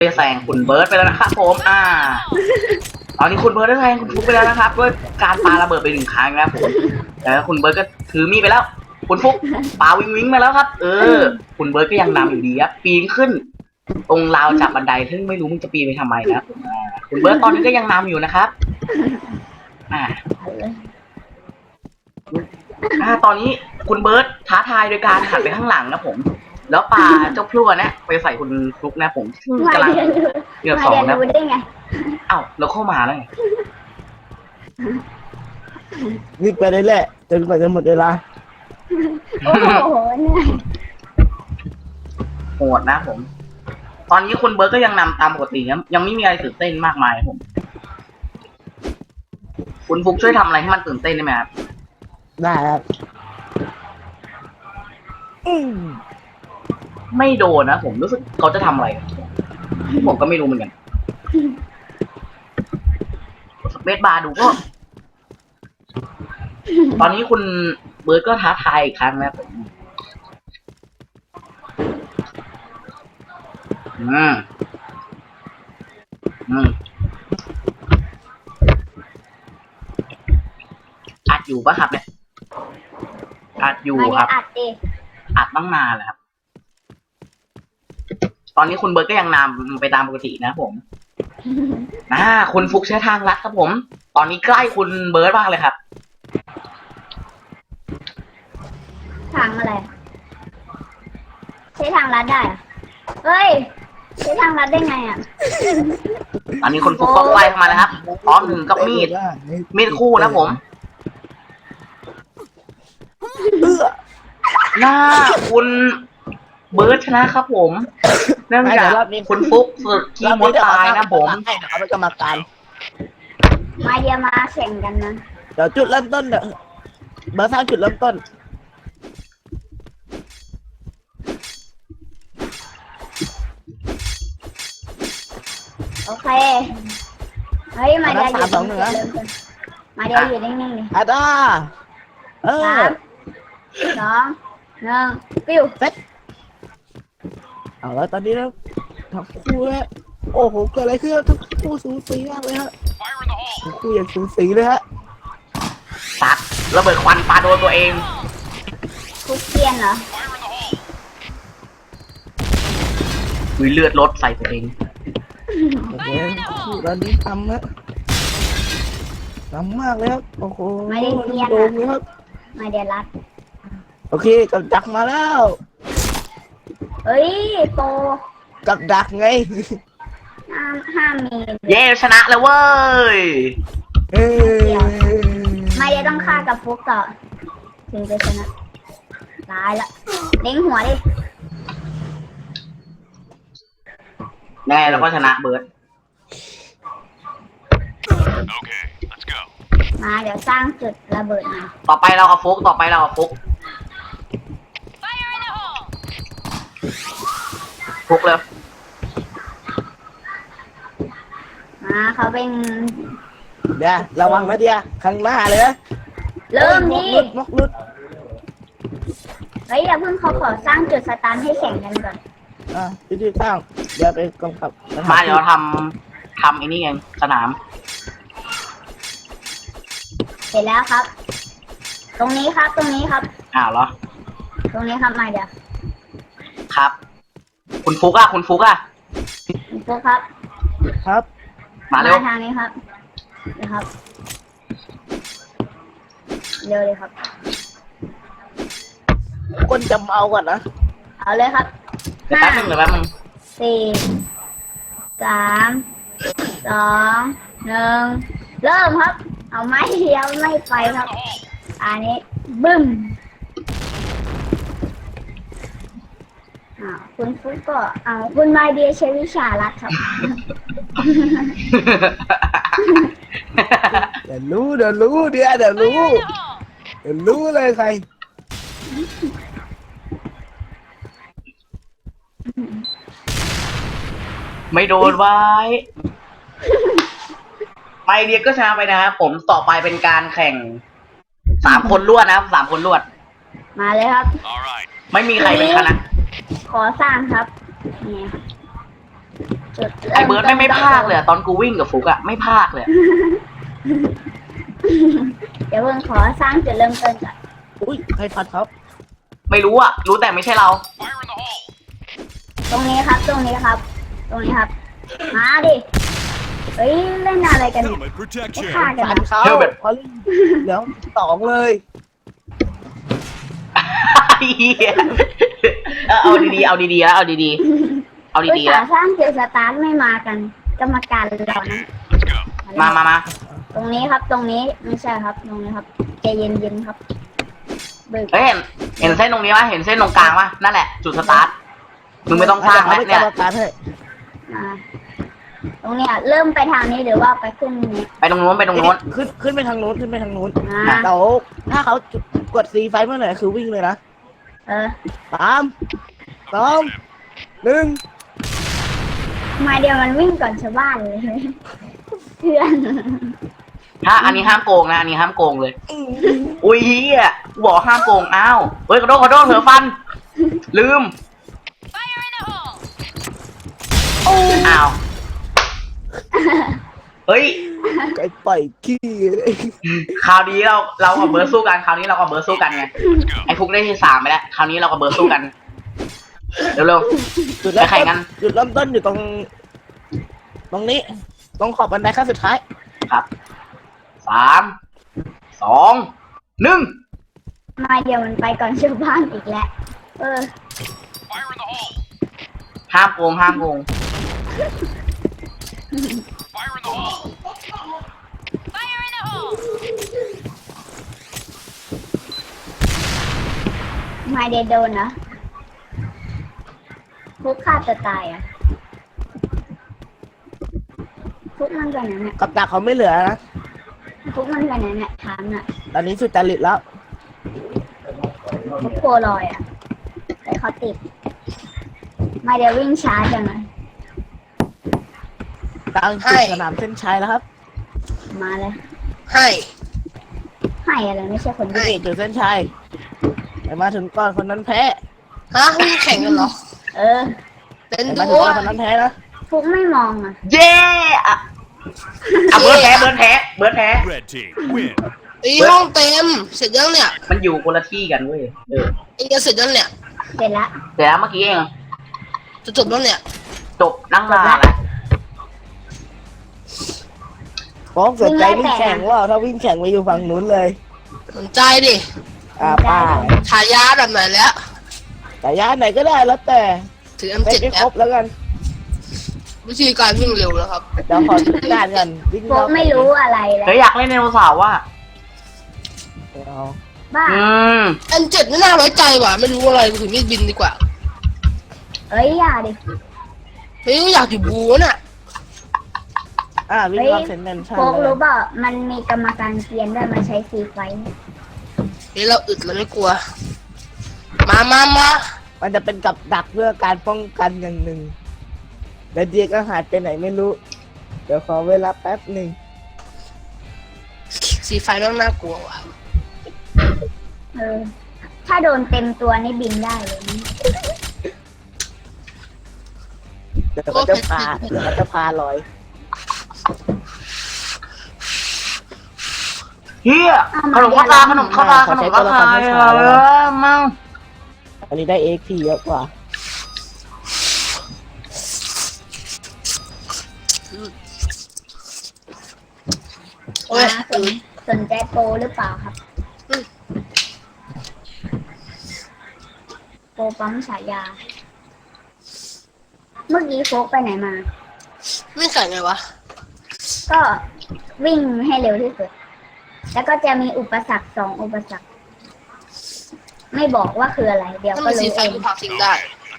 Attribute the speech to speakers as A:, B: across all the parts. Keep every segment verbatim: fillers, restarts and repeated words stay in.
A: ได้แซงคุณเบิร์ดไปแล้วนะครับผมอ่าตอนนี้คุณเบิร์ดได้แซงคุณฟุกไปแล้วนะครับด้วยการปาระเบิดไปหนึ่งครั้งนะครับผมแล้วคุณเบิร์ดก็ถือมีดไปแล้วคุณฟุกปาวิงวิงมาแล้วครับเออคุณเบิร์ดก็ยังนำอยู่ดีครับปีนขึ้นตรงราวจับบันไดซึ่งไม่รู้มึงจะปีนไปทำไมนะคุณเบิร์ดตอนนี้ก็ยังนำอยู่นะครับอ่าอ่าตอนนี้คุณเบิร์ดท้าทายโดยการหันไปข้างหลังนะผมแล้วปาเจ้าพลั่วเนี่ยไปใส่คุณฟลุกนะผมซึ่งกำลังเกือบสองนะเอ้าแล้วเข้ามาแล้วไง
B: วิ่งไปได้แหละจนกว่าจะหมดเวลา
C: โอ้โหเนี่ย
A: โหดนะผม ตอนนี้คุณเบิร์ดก็ยังนำตามปกติยังยังไม่มีอะไรตื่นเต้นมากมายผมคุณฟุกช่วยทำอะไรให้มันตื่นเต้นได้ไหมครับ
B: ได้ครับ
A: ไม่โดนนะผมรู้สึกเขาจะทำอะไรผมก็ไม่รู้เหมือนกันสเปซบาร์ดูก็ตอนนี้คุณเบิร์ดก็ท้าทายอีกครั้งนะผมอืมอืมอัดอยู่ปะครับเนี่ยอัดอยู่ครับ
C: อัดดิ
A: อัดตั้งนานแล้วครับตอนนี้คุณเบิร์ดก็ยังนำไปตามปกตินะผมอ่าคุณฟุกใช้ทางลัดครับผมตอนนี้ใกล้คุณเบิร์ดมากเลยครับ
C: ทางอะไรใช้ทางลัดได้เฮ้ยใช้ทางลัดได้ไงอ่ะ
A: ตอนนี้คุณฟุกก็ใกล้เข้ามาแล้วครับพร้อมถึงกับมีดมีดคู่นะผมหน้าคุณเบิร์ดชนะครับผมเนื่องจากคุณฟุกสุดที่มดตายนะผม
B: เอาไปกรรมการ
C: มาเดียมาแข่งกันนะ
B: เดี๋ยวจุดเริ่มต้นเดี๋ยวเบอร์สร้างจุดเริ่มต้น
C: โอเคเฮ้ยมาเดียอยู่มาเดียอยู่นิ่งๆเลย
B: อาดาเออ
C: สองหนึ่งปิ้ว
B: เซ็ตเอาแล้วตอนนี้แล้วทั้งคู่แล้วโอ้โหเกิดอะไรขึ้นทั้งคู่สูสีมากเลยฮะทั้งคู่อย่างสูสีเลยฮะ
A: ตัดระเบิดควันปาโดนตัวเอง
C: คุกเกียนเหรอ
A: มีเลือดลดใส่ตัวเอง
B: โอเคตอนนี้ทำนะทำมากเลยครับโอ้โห
C: ไม่ได้เกียน
B: ครับ
C: ไม่ได้รัด
B: โอเคกับดักมาแล้ว
C: เฮ้ยโต
B: กับดักไง
C: ห้ามห้ามมี
A: เย้ชนะแล้วเว้ย
B: เอ้
C: ไม่ได้ต้องฆ่ากับฟุกต่อถึงจะชนะตายละเล็งหัวดิ
A: แน่แล้วก็ชนะเบิร์ด
C: มาเดี๋ยวสร้างจุดระเบิดมา
A: ต่อไปเราเอาฟุกต่อไปเราเอาฟุกฟุกเลย
C: มาเขาเป็น
B: เดี๋ยวระวังนะเดียข้างหน้าเลยนะ
C: เริ่มดิ
B: มกลุด
C: เฮ้ยอย่าเพิ่งเขาขอสร้างจุดสตาร์ทให้แข่งกันก่อน
B: อ่ะที่ที่สร้างเดี๋ยวไปกำกับ
A: มาเดี๋ยวทำทำไอ้นี่เองสนาม
C: เสร็จแล้วครับตรงนี้ครับตรงนี้ครับ
A: อ้าวเหรอ
C: ตรงนี้ครับมาเดี๋ยว
A: ครับคุณฟุกอะคุณฟุกอะ
C: คุณฟุกครับ
B: ครับ
A: มาเร็ว
C: ทางนี้ครับนะครับเร็วเลยครับ
B: คนจำเอาก่อนนะ
C: เอาเลยครับ
A: เดี๋ยวแป๊บนึงเดี๋ยวแป๊บนึง
C: สี่สามสองหนึ่งเริ่มครับเอาไม้เดียวไม่ไปครับอันนี้บึ้มอ่าคุณฟุกก็เอาคุณมาเดียใช้วิชาลัดครับ
B: เดี๋ยวรู้เดี๋ยวรู้เดี๋ยวเดี๋ยวรู้เดี๋ยวรู้เลยใคร
A: ไม่โดนไว้ไปเดียก็ชนะไปนะครับผมต่อไปเป็นการแข่งสามคนรวดนะครับสามคนรวด
C: มาเลยครับ
A: ไม่มีใครเป็นชนะ
C: ขอสร้างครับนี่จุด
A: ไอเบิร์ดไม่ไม่พากเลยอะตอนกูวิ่งกับฟุกอะไม่พากเลยอะ
C: เดี๋ยวเพิ่งขอสร้างจุดเริ่มต้นก่อน
B: อุ้ยใครพัดครับ
A: ไม่รู้อะรู้แต่ไม่ใช่เรา
C: ตรงนี้ครับ ตรงนี้ครับ ตรงนี้ครับ มาดิเฮ้ยเล่นอะไรกันเนี่ย
D: Helmet
C: ไม่
D: protection.
C: ฆ่ากัน
B: พัน
C: นะ
B: เขา
A: เดี๋ยวแบบ
B: พอลี่เดี๋ยวสองเลย
A: เหี้ยเออเอาดีๆเอาดีๆแล้วเอาดีๆเอา
C: อุต
A: ดีๆ
C: ส่า
A: แล้ว
C: ห์สร้างจุดสตาร์ทไม่มากัน กรรมการเรานะ
A: มามามา
C: ตรงนี้ครับ ตรงนี้ไม่ใช่ครับ ตรงนี้ครับใจเย็นๆครับเบิก
A: เฮ้ยเห็นเห็นเส้นตรงนี้ปะเห็นเส้นตรงกลางปะนั่นแหละจุดสตาร์ทมึงไม่ต้องสร้างแล้ว
B: ไม่
A: เนี่ย
B: กรรมการให้
C: มาตรงเนี้ยเริ่มไปทางนี้หรือว่าไปขึ้นนี้
A: ไปตรงโน้นไปตรงโน้น
B: ขึ้นขึ้นไปทางโน้นขึ้นไปทางโน้น
C: อ่า
B: เดี๋ยวถ้าเขากดซีไฟเมื่อไหร่คือวิ่งเลยนะ
C: เออ
B: สามสองหนึ่ง
C: มาเดียวมันวิ่งก่อนชาวบ้านเลยเพื่อน
A: ถ้าอันนี้ห้ามโกงนะอันนี้ห้ามโกงเลย อุ้ยเฮียกูบอกห้ามโกงอ้าวเฮ้ยขอโทษขอโทษเผลอฟัน ลืมอ้าวเฮ้ย
B: ไก่ปล่อยขี้เลย
A: คราวนี้เราเรากับเบิร์ดสู้กันคราวนี้เรากับเบิร์ดสู้กันไงไอ้ฟุกได้ที่สามไปแล้วคราวนี้เรากับเบิร์ดสู้กันเร็ว
B: จุด
A: ๆ
B: เริ่
A: ไป
B: ม
A: แข่ง
B: ต้
A: กัน น
B: จุดเริ่มต้นอยู่ตรง ตรงนี้ ตรงขอบบันไดขั้นสุดท้าย
A: ครับสามสองหนึ่ง
C: มาเดียวมันไปก่อนชาวบ้านอีกแล้วเออ
A: ห้ามโกงห้ามโกง
C: มาเดียวโดนนะฟุกฆ่าตัวตายอ่ะฟุกมันไปไหนเนี่ย
B: กับดักเขาไม่เหลือนะ
C: ฟุกมันไปไหนเนี่ยถามน่ะ
B: ตอนนี้สุดจริตแล้ว
C: ฟุกโปรลอยอ่ะแต่เขาติดมาเดียววิ่งช้าจังเลย
B: กลางจุดสนามเส้นชัยแล้วครับ
C: มาเลย
E: ให้
C: ให้อะไรไม่ใช่คน
B: นี่
C: ดี
B: จุดเส้นชัยแต่มาถึงก่อนคนนั้นแพ้
E: ฮะวิ่งแข่งกันเหรอ
C: เออ
E: เล่น
B: แต่
E: ด้
B: มาถึง
E: ว
B: ก่อย นคนนั้นแพ้นะ
C: ฟุกไม่มองอ่ะ
A: เย้อะอ่ะเบิร์ดแพ้เบิร์ดแพ้เบิร์ดแพ้
D: Red team win.
E: ตีห้องเต็ม เสร็จยังเนี่ย
A: มันอยู่คนละที่กันเว้ยเออ
E: เองจะเสร็จยังเนี่ย
C: เสร็จละ
A: แต่แล้วเมื่อกี้เอง
E: จะจบแล้วเนี่ย
A: จบนั่งนานแล้ว
B: ฟ้องสนใจวิ่งแข่งว่าถ้าวิ่งแข่งไปอยู่ฝั่งนู้นเลย
E: สนใจดิ
B: อ่าป้า
E: ฉายาแบบไหนแล้ว
B: แต่ย่านไหนก็ได้แล้วแต่
E: ถือ เอ็ม
B: เล่
E: เจ็
B: น
E: ด
B: ให้
E: แอ
B: คร
E: ป
B: บแล้วกัน
E: วิธีการวิ่งเร็วแล้วครับ
B: เดี๋ยวขอชุดงานกันวิ่ง
C: ฟุกไม่รู้อะไรเลย
A: เฮ้ยอยากเล่นไดโนเสาร์ว่ะ
B: เอา
C: บ้า
A: อืม
E: เอ็มเจ็ดไม่น่าไว้ใจว่ะ ไม่รู้อะไรถือมีดบินดีกว่า
C: เอ้ยอย่าดิ
E: เฮ้ยอยากอยู่บูน่ะ
B: อ่าวิ่ง
C: เฮ้ย
B: รอบเซนเนนชั่น
C: โฟก
B: เลย
C: รู้เปล่ามันมีกรรมการเกียนด้วยมาใช้ฟรีไฟท์
E: เฮ้ยเราอึดเราไม่กลัว มามามา
B: มันจะเป็นกับดักเพื่อการป้องกันอย่างหนึ่งเดี๋ยวเดียก็หายไปไหนไม่รู้ เดี๋ยวขอเวลาแป๊บหนึ่ง
E: สีไฟแม่งน่ากลัวว่ะ
C: เออ ถ้าโดนเต็มตัวนี่บินได้เลยนะ
B: เดี๋ยวก็จะพาเดี๋ยวก็จะพาลอย
A: เฮียขนมข้าวตาขนมข้าวตาขนมข้าวตาเออมั่ง
B: อันนี้ได้เอ็กพีเยอะกว่า
E: โอ้ย
C: มาสนสนใจโปรหรือเปล่าครับ โปรปั๊มฉายา เมื่อกี้โฟกไปไหนมา
E: วิ่งแข่งไงวะ
C: ก็วิ่งให้เร็วที่สุด แล้วก็จะมีอุปสรรคสองอุปสรรค ไม่บอกว่าคืออะไร เดี๋ยว
E: ถ้า
C: ก็
E: มีสี
C: รู้
E: ไฟ
C: เอง
E: กูผลักทิ้งได้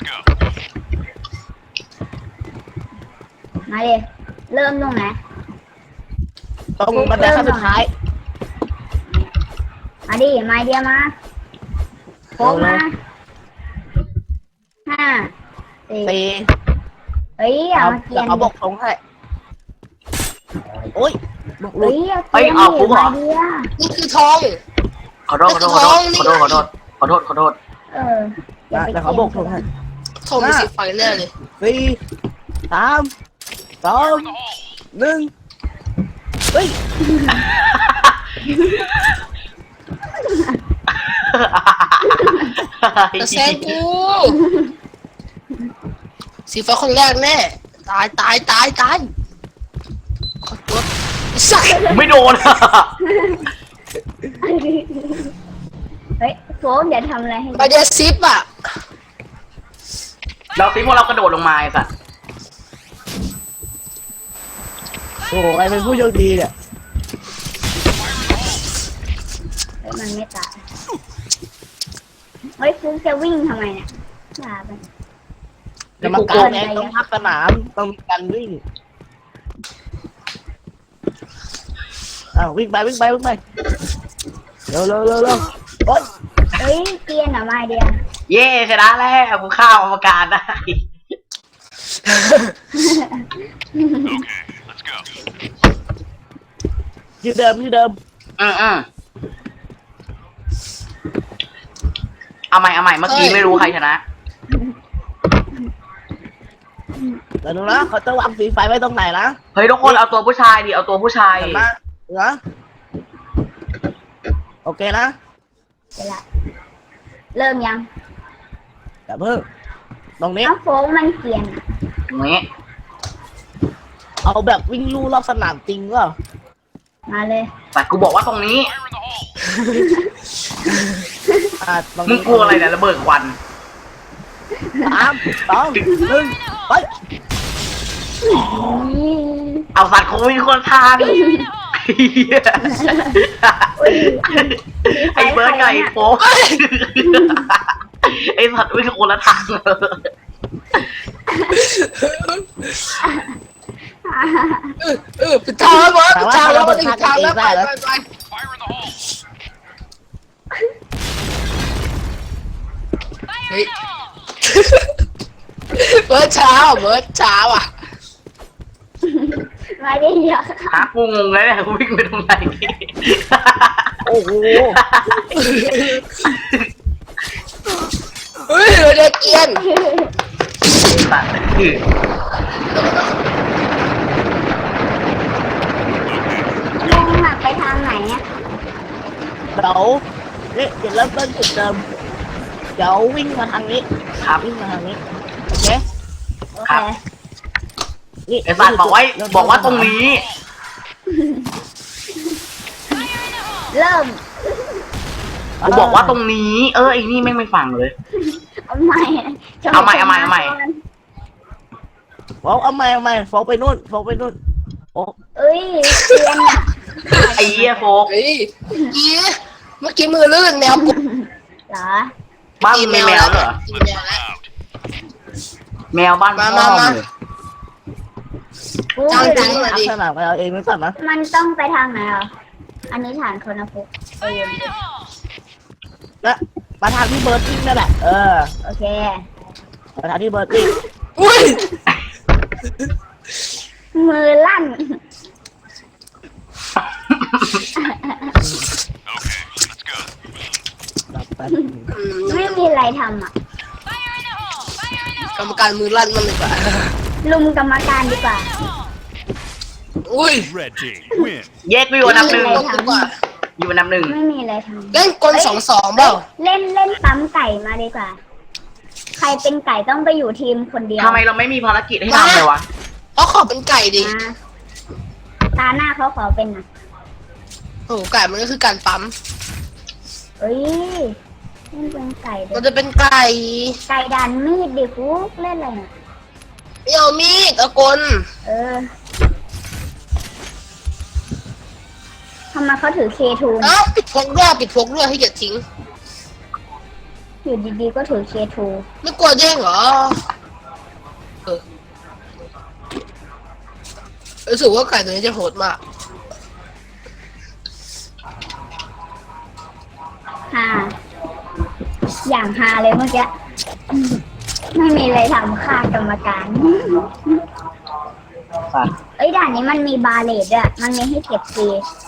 C: มาเลยเริ่มตรงไหน
B: ตรงบันไดขั้นสุดท้าย
C: มาดิ มาเดียวมาโฟกมาห้าสี่
B: ตี
C: เฮ้ยอย่า
B: เอา
C: มาเกี
B: เดี๋
C: ย
B: ยวน เขาบอกทงให้ โอ้ยบุกลุ
C: เฮ้
B: ย
C: ยเอาเกียนดิมาเดียว
E: นี่คือทอง
A: ขอโทษขอโทษขอโทษขอโทษขอโทษขอโทษขอโทษ
C: เอออย่าไป
B: เดี๋ยวเขาบอกทงให้
E: ทองมีสีไฟแน่เลย
B: สี่สามสองหนึ่งเฮ้ย
E: จะแซงกู สีฟ้าคนแรกแน่ ตายตายตายตายขอตัวสัก
A: ไม่โดน
C: เฮ้ยโฟกอย่าทำอะไรให้
E: ไปเดซิปอ่ะ
A: เราซิพวกเรากระโดดลงมาไอ้สัส
B: โอ้โหใครเป็นผู้โชคดีเนี่ย
C: เฮ้ยมันไม่ตายเฮ้ยฟุกจะวิ่งทำไมเนี่ยอย่าไป
B: กรรมการเองต้องพักสนามต้องมีการวิ่งอ้าววิ่งไปวิ่งไปวิ่งไปเร็วเร็วเร็วเร็วโอ๊ย
C: เฮ้ยเกรียนเหรอมาเดีย
A: เย่ชนะแล้วกูข้าวกรรมการได้
B: ที่เดิมที่เดิม
A: อืมอืมเอาใหม่เอาใหม่เมื่อกี้ไม่รู้ใครชนะ
B: เดี๋ยวดูนะเขาจะวางสีไฟไว้ตรงไหนนะ
A: เฮ้ยทุกคนเอาตัวผู้ชายดิเอาตัวผู้ชาย
B: เห็นไหมเหรอโอเคนะ
C: เวลาเริ่มยัง
B: แต่เพิ่งตรงนี้
C: เอ้าโฟกมันเกรียนอะ
A: อย่างนี้
B: เอาแบบวิ่งลู่รอบสนามจริงก็
C: มาเลย
A: แต่กูบอกว่าตรงนี้
B: อ่าตรง
A: มึง
B: นี้
A: กลัวอะไรเนี่ยระเบิดควัน
B: สามสองหนึ่งไป
A: เอาสัตว์คงมีคนทางไอ้เบิร์ดกับไอ้โป๊กไอ้สัตว์วิ่งคนละทาง
E: เออเออปิดทางแล้วบอส
B: แต่
E: ปิด
B: ว่า
E: ทางแล้ว
B: เรา
E: ปิ
B: เปิด
E: ด
B: ทาง
E: ทาง
B: เอ
E: แล้ว
B: ง
E: ไป
B: ได้แล้ว
E: ไปไปเฮ้ย เบิร์ดเช้าเบิร์ดเช้าอ่ะ
C: มาเดียว
A: หากูงงเลยเนี่ยกูวิ่งไปตรงไหน
B: โอ้โห
E: เฮ้ยเด็กเกียน
A: สัตว์คือ
C: ลุงอะไปทางไหนอะ
B: เดี๋ยวนี่เดี๋ยวเริ่มต้นจุดเดิมเดี๋ยววิ่งมาทางนี้
A: ครับ
B: วิ่งมาทางนี้โอเค
C: โอเค
B: นี่
A: ไอ้สัตว์บอกไว้บอกว่าตรงนี้
C: เริ่ม
A: กูบอกว่าตรงนี้ เออไอ้นี่แม่งไม่ฟังเลย
C: เอาใหม่
A: เอาใหม่เอาใหม่เอาใหม่
B: โฟกเอาใหม่เอาใหม่โฟกไปนู่นโฟกไปนู่นโอ้
C: เอ้ยเกรียนอะ
A: ไอ้เหี้ยโฟก
E: เฮ้ยยี่เมื่อกี้มือลื่นแมวกุ
C: เหรอ
A: บ้านมึงมีแมวเหรอ
E: กินแมวแล้ว
A: แมวบ้านพ่อ
E: มามามา
A: มึง
C: กู
E: จ้าง
C: อยู่
E: จริง
C: ไหน
E: เลย
B: ลักษณะไปเอาเองไม่สั่นนะ
C: มันต้องไปทางไหนอ่ะอันนี้ฐานคนนะฟุกเออ
B: นะมาทางที่เบิร์ดวิ่งนั่นแหละเออ
C: โอเค
B: มาทางที่เบิร์ดวิ่ง
E: อุ้ย
C: มือลั่น
B: แบบแบบ
E: อืม
C: ไม่มีอะไรทำอ่ะ
E: กรรมการมือลั่นมันเลยกว่า
C: ลุมกรรมการดีกว่า
E: อุ้ย
D: Red team win.
A: เย้กูอยู่อันดับหนึ่ง
E: ดีกว่า
A: อยู่อันดับหนึ่ง
C: ไม่มีอะไรทำ
E: เล่นกลสองสองเปล่า
C: เล่นเล่นปั๊มไก่มาดีกว่า ใครเป็นไก่ต้องไปอยู่ทีมคนเดียว
A: ทำไมเราไม่มีภารกิจให้ทำเลยวะ
E: เพราะขอเป็นไก่ดิ
C: มาตาหน้าเขาขอเป็นนะ
E: โอ้โหไก่มันก็คือการปั๊ม
C: เอ้ยเล่นเป็นไก่เด็
E: มันจะเป็นไก่
C: ไก่ดันมีดดิฟุกเล่นอะไรน่ะ
E: ไม่เอามีดเอากล
C: เออทำไมเขาถือเคทู
E: เอ้าปิดพกด้วยปิดพกด้วยให้อย่าทิ้ง
C: อยู่ดีๆก็ถือเคทู
E: ไม่กลัวเด้งเหรอเออรู้สึกว่าไก่ตัวนี้จะโหดมาก
C: ฮาอย่างฮาเลยเมื่อกี้ไม่มีอะไรทำฆ่ากรรมการ
A: สัตว์
C: เอ้ยด่านนี้มันมีบาเลตด้วยมันมีให้เก็บฟรี